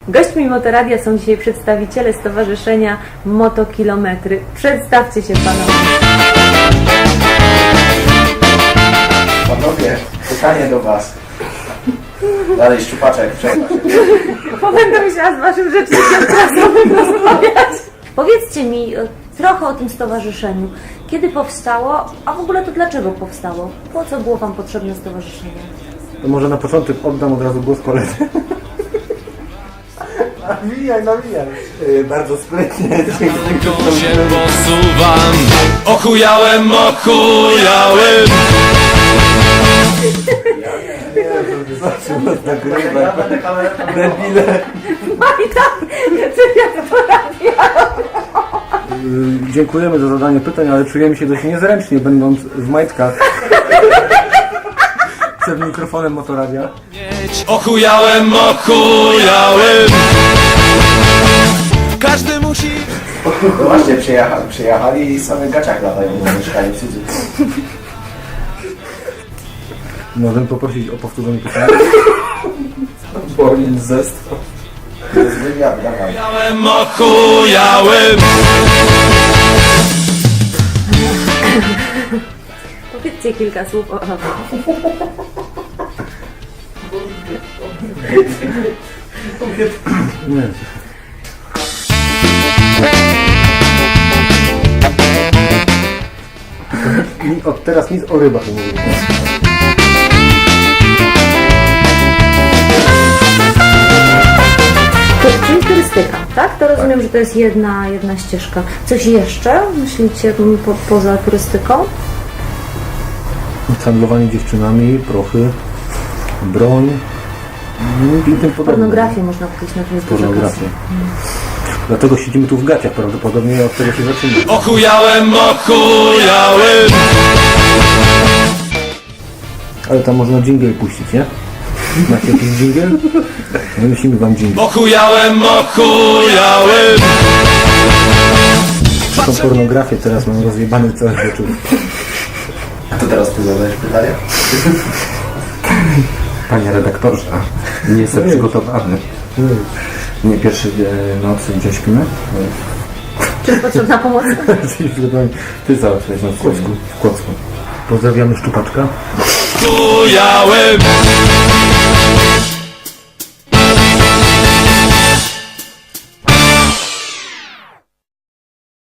Gośćmi Motoradia są dzisiaj przedstawiciele Stowarzyszenia Motokilometry. Przedstawcie się panowie. Panowie, pytanie do was. Dalej szczupaczek, przerwa się. Bo będę musiała z waszym rzecznikiem prasowym rozmawiać. Powiedzcie mi trochę o tym stowarzyszeniu. Kiedy powstało, a w ogóle to dlaczego powstało? Po co było wam potrzebne stowarzyszenie? To może na początek oddam od razu głos koledze. Nawijaj. Bardzo sprytnie. To się posuwam. Ochujałem. Zobaczył nas nagrywać. Ja będę kamerę. Debile. No i tak, czy ja to porabiam? Dziękujemy za zadanie pytań, ale czujemy się dość niezręcznie, będąc w majtkach. Przed mikrofonem Motoradia. Ochujałem. Każdy musi... No właśnie, przyjechali i same gaciach latają na mieszkanie w cudzych. Możemy poprosić o powtórzenie pytania? Bornin zestaw. To jest wywiad, dawaj. Ochujałem. Powiedzcie kilka słów o... Nie. I od teraz nic o rybach nie mówimy. Czyli turystyka, tak? To rozumiem, że to jest jedna ścieżka. Coś jeszcze myślicie poza turystyką? Handlowanie dziewczynami, prochy, broń i tym podobne. Pornografię można powiedzieć na tym Pornografię. Dlatego siedzimy tu w gaciach prawdopodobnie, od tego się zaczyna. Ochujałem. Ale tam można dżingiel puścić, nie? Macie jakiś dżingiel? Wymyślimy wam dżingiel. Ochujałem. Tą pornografię teraz mam rozjebany cały wieczór. A to teraz ty zadajesz pytanie? Panie redaktorze, nie jestem przygotowany. Nie pierwszej nocy gdzie śpimy? Czy potrzebna pomoc? Ty załatwiałeś na W Kłodzku. Pozdrawiamy Szczupaczka. Ochujałem.